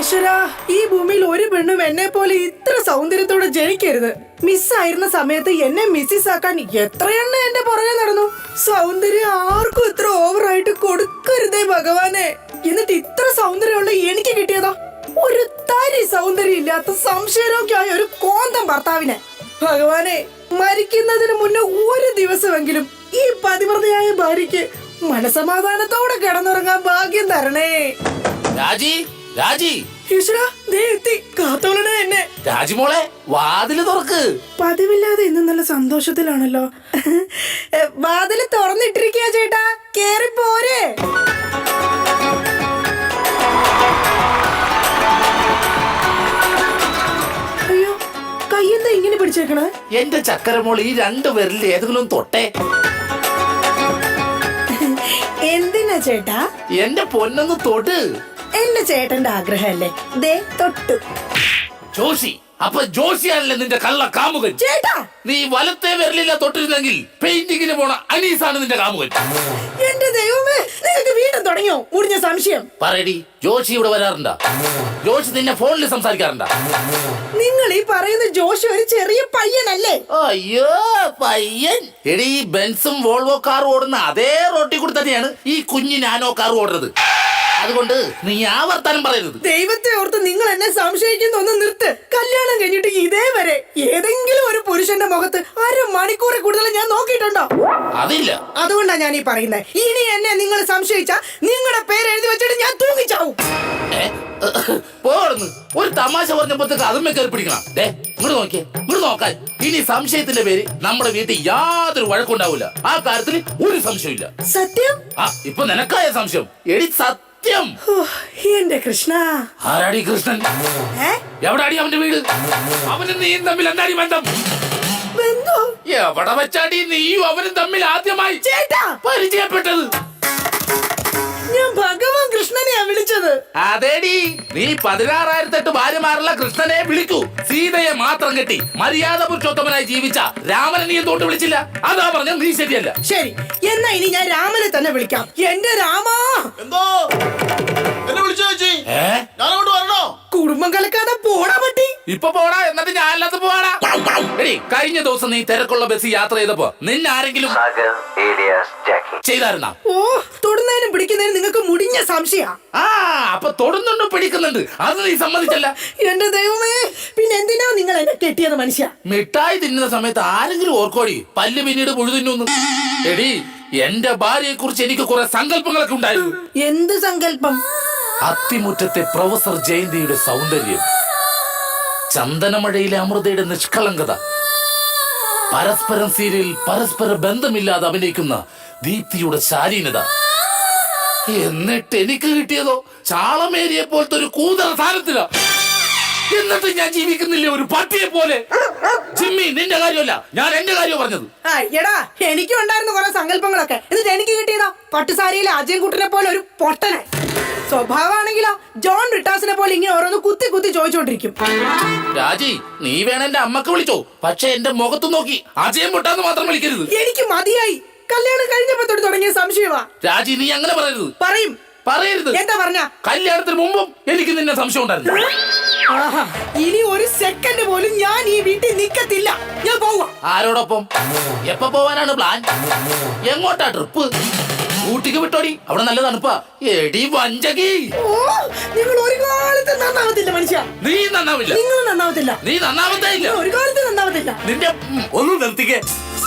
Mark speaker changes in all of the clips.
Speaker 1: ഈശ്വരാ, ഈ ഭൂമിയിൽ ഒരു പെണ്ണും എന്നെ പോലെ ഇത്ര സൗന്ദര്യത്തോടെ ജനിക്കരുത്. മിസ്സായിരുന്ന സമയത്ത് എന്നെ മിസ്സിസ് ആക്കാൻ എത്രയെണ്ണ എന്റെ പുറകെ നടന്നു. സൗന്ദര്യം ആർക്കും ഇത്ര ഓവറായിട്ട് കൊടുക്കരുതേ ഭഗവാനെ. എന്നിട്ട് ഇത്ര സൗന്ദര്യമുള്ള എനിക്ക് കിട്ടിയതാ ഒരു തരി സൗന്ദര്യം ഇല്ലാത്ത സംശയരോഗ്യമായ ഒരു കോന്തം ഭർത്താവിനെ. ഭഗവാനെ, മരിക്കുന്നതിന് മുന്നേ ഒരു ദിവസമെങ്കിലും ഈ പതിവ്രതയായ ഭാര്യയ്ക്ക് മനസമാധാനത്തോടെ കിടന്നുറങ്ങാൻ ഭാഗ്യം തരണേ.
Speaker 2: രാജി, രാജി,
Speaker 1: ഈശ്വരാ, ദേ എത്തി. കാത്തോളണേ എന്നെ.
Speaker 2: രാജിമോളെ, വാതില് തുറക്ക്.
Speaker 1: പതിവില്ലാതെ ഇന്ന് നല്ല സന്തോഷത്തിലാണല്ലോ. വാതില് തുറന്നിട്ടിരിക്കുക ചേട്ടാ, കേറി പോരെ. അയ്യോ, കയ്യെന്താ ഇങ്ങനെ പിടിച്ചേക്കണേ?
Speaker 2: എന്റെ ചക്കരമോൾ ഈ രണ്ടു പേരിൽ ഏതെങ്കിലും തൊട്ടെ.
Speaker 1: എന്തിനാ ചേട്ടാ?
Speaker 2: എന്റെ പൊന്നൊന്ന് തൊട്ട്.
Speaker 1: എന്റെ ചേട്ടന്റെ ആഗ്രഹല്ലേ, ദേ തൊട്ടു.
Speaker 2: ജോഷി, അപ്പൊ ജോഷിയാണല്ലേ നിന്റെ കള്ള കാമുകൻ?
Speaker 1: ചേട്ടാ,
Speaker 2: നീ വലത്തെ വിരലില്ല തൊട്ടിരുന്നെങ്കിൽ പെയിന്റിങ്ങിന് പോണ അനീസാണ് നിന്റെ കാമുകൻ.
Speaker 1: എന്റെ ദൈവമേ, നിങ്ങൾക്ക് വീണ്ടും തുടങ്ങിയോ മുടിഞ്ഞ സംശയം?
Speaker 2: പറയടി, ജോഷി ഇവിടെ വരാറുണ്ടാ? ജോഷി നിന്നെ ഫോണിൽ സംസാരിക്കാറുണ്ടാ?
Speaker 1: നിങ്ങൾ ഈ പറയുന്ന ജോഷി ഒരു ചെറിയ പയ്യനല്ലേ?
Speaker 2: അയ്യോ, പയ്യൻ. എടി, ബെൻസും വോൾവോ കാറും ഓടുന്ന അതേ റോട്ടിൽ കൂടി തന്നെയാണ് ഈ കുഞ്ഞു നാനോ കാർ ഓടുന്നത്. അതുകൊണ്ട് നീ ആ വർത്താനം പറയരുത്.
Speaker 1: ദൈവത്തെ ഓർത്ത് നിങ്ങൾ എന്നെ സംശയിക്കുന്ന ഒന്ന് നിർത്ത്. കല്യാണം കഴിഞ്ഞിട്ട് ഇതേവരെ ഏതെങ്കിലും ഒരു പുരുഷന്റെ മുഖത്ത് 1/2 മണിക്കൂറിൽ കൂടുതൽ ഞാൻ നോക്കിയിട്ടുണ്ടോ?
Speaker 2: അതില്ല.
Speaker 1: അതുകൊണ്ടാ ഞാൻ ഈ പറയുന്നത്. ഇനി എന്നെ നിങ്ങൾ സംശയിച്ചാ നിങ്ങളുടെ പേര് എഴുതി വെച്ചിട്ട് ഞാൻ തൂങ്ങിച്ചാവും.
Speaker 2: പോടുന്നു. ഒരു തമാശ പറഞ്ഞപ്പോഴത്തേക്ക് അതുമ്മേ കയറി പിടിക്കണം. ഇങ്ങോട്ട് നോക്കിയേ, ഇങ്ങോട്ട് നോക്കാൻ. ഇനി സംശയത്തിന്റെ പേര് നമ്മുടെ വീട്ടിൽ യാതൊരു വഴക്കുണ്ടാവില്ല. ആ കാര്യത്തിൽ ഒരു സംശയമില്ല.
Speaker 1: സത്യം?
Speaker 2: ആ, ഇപ്പൊ നിനക്കായ സംശയം. എടി സത്യം.
Speaker 1: എന്റെ കൃഷ്ണ.
Speaker 2: ആരാടി കൃഷ്ണൻ? എവിടാടി അവന്റെ വീട്? അവനും നീയും തമ്മിൽ എന്താടി ബന്ധം? എവിടെ വെച്ചാടി നീയും അവനും തമ്മിൽ ആദ്യമായി പരിചയപ്പെട്ടത്?
Speaker 1: ഞാൻ ഭഗവാൻ കൃഷ്ണനെയാ വിളിച്ചത്.
Speaker 2: അതേടി, നീ 16,008 ഭാര്യമാരുള്ള കൃഷ്ണനെ വിളിക്കൂ. സീതയെ മാത്രം കെട്ടി മര്യാദ പുരുഷോത്തമനായി ജീവിച്ച രാമനെ നീ എന്തുകൊണ്ട് വിളിച്ചില്ല? അതാ പറഞ്ഞ നീ ശരിയല്ല.
Speaker 1: ശരി, എന്നാ ഇനി ഞാൻ രാമനെ തന്നെ വിളിക്കാം. എന്റെ രാമാ.
Speaker 3: എന്തോ എന്നെ വിളിച്ചു ചേച്ചി? ഞാനങ്ങോട്ട് വരണോ?
Speaker 1: കുടുംബം കലക്കാതെ പോടാ പറ്റി.
Speaker 2: ഇപ്പൊ പോടാ, എന്നിട്ട് ഞാൻ അല്ലാത്ത പോവാടാ. എടി, കഴിഞ്ഞ ദിവസം നീ തിരക്കുള്ള ബസ് യാത്ര ചെയ്തപ്പോ നിന്നെ ആരെങ്കിലും ചെയ്തായിരുന്നാ?
Speaker 1: ഓ, തൊടുന്നതിനും പിടിക്കുന്നതിനും നിങ്ങൾക്ക് മുടിഞ്ഞ സംശയ.
Speaker 2: ആ, അപ്പൊ തൊടുന്നുണ്ട്, പിടിക്കുന്നുണ്ട്. അത് നീ സമ്മതിച്ചല്ല.
Speaker 1: എന്റെ ദൈവമേ, പിന്നെ എന്തിനാ നിങ്ങൾ എന്നെ കെട്ടിയത് മനുഷ്യ?
Speaker 2: മിഠായി തിന്നുന്ന സമയത്ത് ആരെങ്കിലും ഓർക്കോടി പല്ല് പിന്നീട് പുഴു തിന്നു? എടി, എന്റെ ഭാര്യയെ കുറിച്ച് എനിക്ക് കുറെ സങ്കല്പങ്ങളൊക്കെ ഉണ്ടായിരുന്നു.
Speaker 1: എന്ത് സങ്കല്പം?
Speaker 2: അത്തിമുറ്റത്തെ പ്രൊഫസർ ജയന്തിയുടെ സൗന്ദര്യം, ചന്ദനമഴയിലെ അമൃതയുടെ നിഷ്കളങ്കത, പരസ്പരം സീരിയൽ പരസ്പര ബന്ധമില്ലാതെ അഭിനയിക്കുന്ന ദീപ്തിയുടെ ശാലീനത. എന്നിട്ട് എനിക്ക് കിട്ടിയതോ ചാളമേരിയെ പോലത്തെ ഒരു കൂതറ സാധനത്തില. എന്നിട്ട് ഞാൻ ജീവിക്കുന്നില്ലേ ഒരു പട്ടിയെ പോലെ? ജിമ്മി, നിന്റെ കാര്യമല്ല, ഞാൻ എന്റെ കാര്യം പറഞ്ഞത്.
Speaker 1: എടാ, എനിക്കും ഉണ്ടായിരുന്നു കുറെ സങ്കല്പങ്ങളൊക്കെ. എന്നിട്ട് എനിക്ക് കിട്ടിയതാ പട്ടുസാരിയിലെ അജയൻകുട്ടനെ പോലെ ഒരു പൊട്ടനെ. സ്വഭാവമാണെങ്കിലോ ജോൺ റിട്ടാസിനെ പോലെ ഇങ്ങനെ ഓരോന്ന് കുത്തി കുത്തി ചോദിച്ചോണ്ടിരിക്കും.
Speaker 2: രാജി, നീ വേണം എന്റെ അമ്മക്ക് വിളിച്ചോ, പക്ഷെ എന്റെ മുഖത്ത് നോക്കി അജയം പൊട്ടാന്ന് മാത്രം വിളിക്കരുത്.
Speaker 1: എനിക്ക് മതിയായി. കല്യാണം കഴിഞ്ഞപ്പോ തൊട്ട് തുടങ്ങിയ സംശയമാ.
Speaker 2: രാജി, നീ അങ്ങനെ പറയരുത്. പറയരുത്.
Speaker 1: എന്താ പറഞ്ഞ?
Speaker 2: കല്യാണത്തിന് മുമ്പും എനിക്ക് നിന്നെ സംശയം ഉണ്ടായിരുന്നു.
Speaker 1: ഇനി ഒരു സെക്കൻഡ് പോലും ഞാൻ ഈ വീട്ടിൽ നിൽക്കത്തില്ല. ഞാൻ പോവാ.
Speaker 2: ആരോടൊപ്പം? എപ്പോ പോവാനാണ് പ്ലാൻ? എങ്ങോട്ടാ ട്രിപ്പ്? ഊട്ടിക്ക് വിട്ടോടി, അവിടെ നല്ല തണുപ്പാ. എടി വഞ്ചകി,
Speaker 1: നിങ്ങൾ ഒരു കാലത്ത് നന്നാവത്തില്ല മനുഷ്യ.
Speaker 2: നീ നന്നാവില്ല.
Speaker 1: നിങ്ങൾ നന്നാവത്തില്ല.
Speaker 2: നീ നന്നാവത്തേ ഇല്ല.
Speaker 1: ഒരു കാലത്ത് നന്നാവത്തില്ല.
Speaker 2: നിന്റെ ഒന്ന് നിർത്തിക്കേ.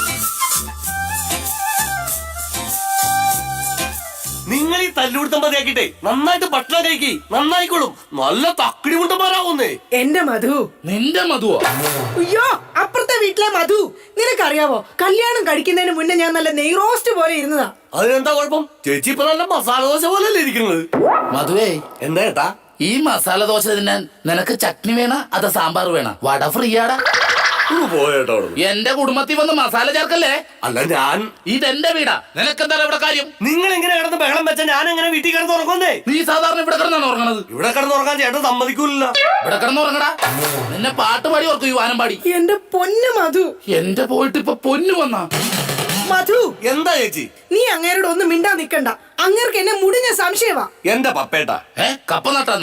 Speaker 3: നിങ്ങൾ ഈ തല്ലുകൊടുത്താൽ മതിയാക്കിട്ടെ നന്നായിട്ട് ഭക്ഷണം കഴിക്കി, നന്നായിക്കോളും. നല്ല തക്കിടി മുണ്ടന്മാരാവുന്നേ.
Speaker 1: എന്റെ മധു.
Speaker 2: നിന്റെ മധുവോ?
Speaker 1: അയ്യോ, അപ്പുറത്തെ വീട്ടിലെ മധു. നിനക്കറിയാവോ, കല്യാണം കഴിക്കുന്നതിന് മുന്നേ ഞാൻ നല്ല നെയ് റോസ്റ്റ് പോലെ ഇരുന്നതാ.
Speaker 3: അതിനെന്താ കുഴപ്പം? ചേച്ചി ഇപ്പൊ നല്ല മസാല ദോശ പോലല്ലേ ഇരിക്കുന്നത്.
Speaker 2: മധുവേ,
Speaker 3: എന്താ ഏട്ടാ?
Speaker 2: ഈ മസാല ദോശ തിന്നാൻ നിനക്ക് ചട്നി വേണ അതോ സാമ്പാർ വേണ? വട ഫ്രീയാടാ.
Speaker 3: പോയേട്ടോ.
Speaker 2: എന്റെ കുടുംബത്തിൽ വന്ന് മസാല ചേർക്കല്ലേ.
Speaker 3: അല്ല, ഞാൻ
Speaker 2: ഇതെന്റെ വീടാ. നിനക്കെന്താ ഇവിടെ കാര്യം?
Speaker 3: നിങ്ങൾ എങ്ങനെ കിടന്ന് ബഹളം വെച്ചാൽ ഞാൻ എങ്ങനെ വീട്ടിൽ കിടന്ന് ഉറങ്ങുന്നേ?
Speaker 2: നീ സാധാരണ ഇവിടെ കിടന്നാണ് ഉറങ്ങണത്.
Speaker 3: ഇവിടെ കിടന്ന് ഉറങ്ങാൻ ചേട്ടൻ സമ്മതിക്കൂല.
Speaker 2: ഇവിടെ കിടന്ന് ഉറങ്ങടാ. നിന്നെ പാട്ട് പാടി ഓർക്കും, ഈ വാനം പാടി.
Speaker 1: എന്റെ പൊന്നു മധു.
Speaker 2: എന്റെ പോയിട്ട് ഇപ്പൊ പൊന്നു വന്നാ.
Speaker 1: മധു,
Speaker 3: എന്താ ചേച്ചി?
Speaker 1: നീ അങ്ങേരോട് ഒന്നും മിണ്ടാ നിക്കണ്ട. അങ്ങേർക്ക് എന്നെ മുടിഞ്ഞ സംശയവാ.
Speaker 3: എന്റെ പപ്പേട്ട
Speaker 2: കപ്പ നട്ടാന്നാ?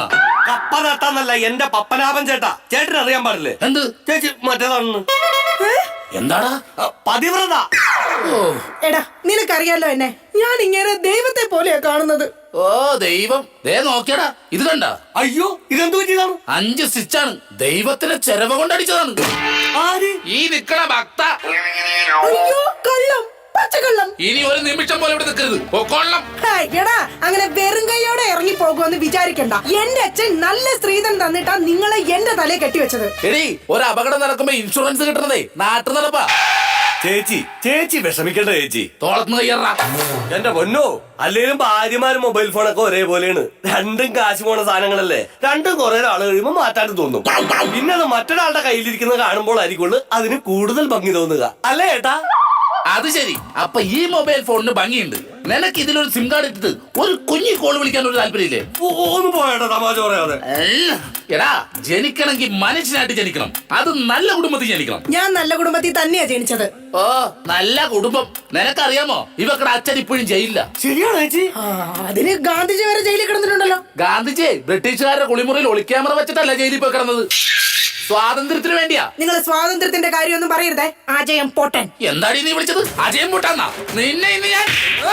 Speaker 3: കപ്പ നട്ടാന്നല്ല എന്റെ പപ്പനാഭൻ ചേട്ടാ. ചേട്ടന് അറിയാൻ പാടില്ലേ?
Speaker 2: എന്ത്?
Speaker 3: ചേച്ചി മറ്റേതാണെന്ന്.
Speaker 2: എന്താടാ?
Speaker 3: പതിവ്രത.
Speaker 2: ഓ
Speaker 1: എടാ നിനക്കറിയാലോ എന്നെ, ഞാൻ ഇങ്ങനെ ദൈവത്തെ പോലെയാ കാണുന്നത്.
Speaker 2: ഓ ദൈവം, ദേ നോക്കിയടാ, ഇത് കണ്ട?
Speaker 3: അയ്യോ ഇതെന്തു പറ്റിയതാണ്?
Speaker 2: 5 സ്റ്റിച്ചാണ്. ദൈവത്തിന് ചെരവ കൊണ്ടടിച്ചതാണ്.
Speaker 3: ആര്?
Speaker 2: ഈ നിക്കണ ഭക്ത.
Speaker 1: അയ്യോ കള്ളം, പച്ചക്കള്ളം.
Speaker 2: ഇനി ഒരു നിമിഷം പോലെ ഇവിടെ നിൽക്കരുത്. പൊക്കോളണം.
Speaker 1: ഹായ്, എടാ അങ്ങനെ വെറും കൈയോടെ ഇറങ്ങി പോകുമെന്ന് വിചാരിക്കണ്ട. എന്റെ അച്ഛൻ നല്ല സ്ത്രീധനം തന്നിട്ടാ നിങ്ങളെ എന്റെ തലയെ കെട്ടിവെച്ചത്.
Speaker 2: എടി, ഒരു അപകടം നടക്കുമ്പോ ഇൻഷുറൻസ് കിട്ടണതേ നാട്ടു നടപ്പാ.
Speaker 3: ചേച്ചി വിഷമിക്കണ്ട ചേച്ചി.
Speaker 2: തോളത്തുനിന്ന് കയ്യറാ.
Speaker 3: എന്റെ പൊന്നോ, അല്ലേലും ഭാര്യമാരും മൊബൈൽ ഫോണൊക്കെ ഒരേപോലെയാണ്. രണ്ടും കാശ് പോണ സാധനങ്ങളല്ലേ. രണ്ടും കുറെ നാൾ കഴിയുമ്പോ മാറ്റാൻ തോന്നും. പിന്നെ അത് മറ്റൊരാളുടെ കയ്യിലിരിക്കുന്നത് കാണുമ്പോൾ ആയിരിക്കുള്ളൂ അതിന് കൂടുതൽ ഭംഗി തോന്നുക, അല്ലേ ഏട്ടാ?
Speaker 2: അത് ശരി. അപ്പൊ ഈ മൊബൈൽ ഫോണിന് ഭംഗിയുണ്ട്. നിനക്ക് ഇതിലൊരു സിം കാർഡ് ഇട്ടിട്ട് ഒരു കുഞ്ഞി കോൾ വിളിക്കാൻ ഒരു താല്പര്യമില്ലേ?
Speaker 3: ഒന്ന് പോയേട്ടാ, തമാശ പറയാതെ.
Speaker 2: എടാ, ജനിക്കണമെങ്കിൽ മനുഷ്യനായിട്ട് ജനിക്കണം. അത് നല്ല കുടുംബത്തിൽ ജനിക്കണം.
Speaker 1: ഞാൻ നല്ല കുടുംബത്തിൽ തന്നെയാ ജനിച്ചത്.
Speaker 2: ഓ നല്ല കുടുംബം. നിനക്കറിയാമോ, ഇവക്കടെ അച്ഛൻ ഇപ്പോഴും ജയിലില്ല.
Speaker 3: ശരിയാണോ ചേച്ചി?
Speaker 1: അതിന് ഗാന്ധിജി വരെ ജയിലിൽ കിടന്നിട്ടുണ്ടല്ലോ.
Speaker 2: ഗാന്ധിജി ബ്രിട്ടീഷുകാരുടെ കുളിമുറിയിൽ ഒളിക്യാമറ വെച്ചിട്ടല്ല ജയിലിൽ പോയി കിടന്നത്. സ്വാതന്ത്ര്യത്തിന് വേണ്ടിയാ.
Speaker 1: നിങ്ങൾ സ്വാതന്ത്ര്യത്തിന്റെ കാര്യമൊന്നും പറയരുതേ. അജയം പൊട്ടൻ.
Speaker 2: എന്താടി നീ വിളിച്ചത്? അജയം പൊട്ടാന്നാ? നിന്നെ ഇന്ന് ഞാൻ.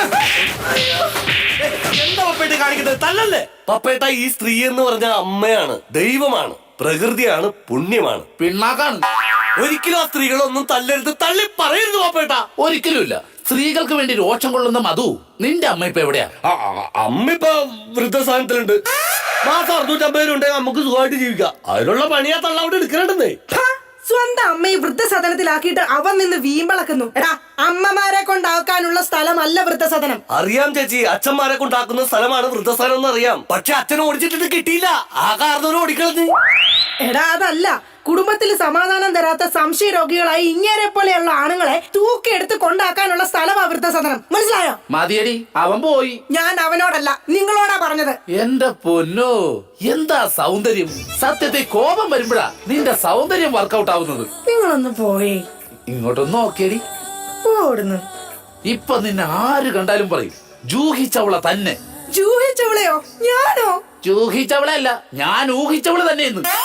Speaker 3: എന്താ പപ്പേട്ട കാണിക്കുന്നത്? തല്ലല്ലേ പപ്പേട്ട. ഈ സ്ത്രീ എന്ന് പറഞ്ഞ അമ്മയാണ്, ദൈവമാണ്, പ്രകൃതിയാണ്, പുണ്യമാണ്,
Speaker 2: പിണ്ണാക്കാണ്.
Speaker 3: ഒരിക്കലും ആ സ്ത്രീകളൊന്നും തല്ലരുത്, തള്ളി പറയരുത് പപ്പേട്ട.
Speaker 2: ഒരിക്കലുമില്ല. സ്ത്രീകൾക്ക് വേണ്ടി രോഷം കൊള്ളുന്ന മധു, നിന്റെ അമ്മ ഇപ്പൊ എവിടെയാ?
Speaker 3: അമ്മ ഇപ്പൊ വൃദ്ധസ്ഥാനത്തിലുണ്ട്. മാസം 650 ഉണ്ടെങ്കിൽ നമുക്ക് സുഖമായിട്ട് ജീവിക്കാം. അതിനുള്ള പണിയാ തള്ള അവിടെ എടുക്കണ്ടെന്നേ.
Speaker 1: സ്വന്തം അമ്മയെ വൃദ്ധസദനത്തിലാക്കിയിട്ട് അവൻ നിന്ന് വീമ്പളക്കുന്നു. എടാ, അമ്മമാരെ കൊണ്ടാക്കാനുള്ള സ്ഥലമല്ല വൃദ്ധസദനം.
Speaker 3: അറിയാം ചേച്ചി, അച്ഛന്മാരെ കൊണ്ടാക്കുന്ന സ്ഥലമാണ് വൃദ്ധസ്ഥാനം എന്ന് അറിയാം. പക്ഷെ അച്ഛനെ ഓടിച്ചിട്ട് കിട്ടിയില്ല. ആ കാരണവരും ഓടിക്കളഞ്ഞ്.
Speaker 1: എടാ അതല്ല, കുടുംബത്തിൽ സമാധാനം തരാത്ത സംശയ രോഗികളായി ഇങ്ങനെ പോലെയുള്ള ആണുങ്ങളെ തൂക്കിയെടുത്ത് കൊണ്ടാക്കാനുള്ള സ്ഥലമാ വൃദ്ധസദനം. മനസ്സിലായോ?
Speaker 2: മതിയടി, അവൻ പോയി.
Speaker 1: ഞാൻ അവനോടല്ല നിങ്ങളോടാ പറഞ്ഞത്.
Speaker 2: എന്റെ പൊന്നോ, എന്താ സൗന്ദര്യം! സത്യത്തെ കോപം വരുമ്പോഴാ നിന്റെ സൗന്ദര്യം വർക്കൗട്ട് ആവുന്നത്.
Speaker 1: നിങ്ങളൊന്ന് പോയേ.
Speaker 2: ഇങ്ങോട്ടൊന്ന് നോക്കിയടി.
Speaker 1: ഓടുന്നു.
Speaker 2: ഇപ്പൊ നിന്നെ ആര് കണ്ടാലും പറയും ജൂഹിച്ചവള തന്നെ.
Speaker 1: ജൂഹിച്ചവളെയോ? ഞാനോ?
Speaker 2: ജൂഹിച്ചവളെ അല്ല, ഞാൻ ഊഹിച്ചവള് തന്നെയെന്ന്.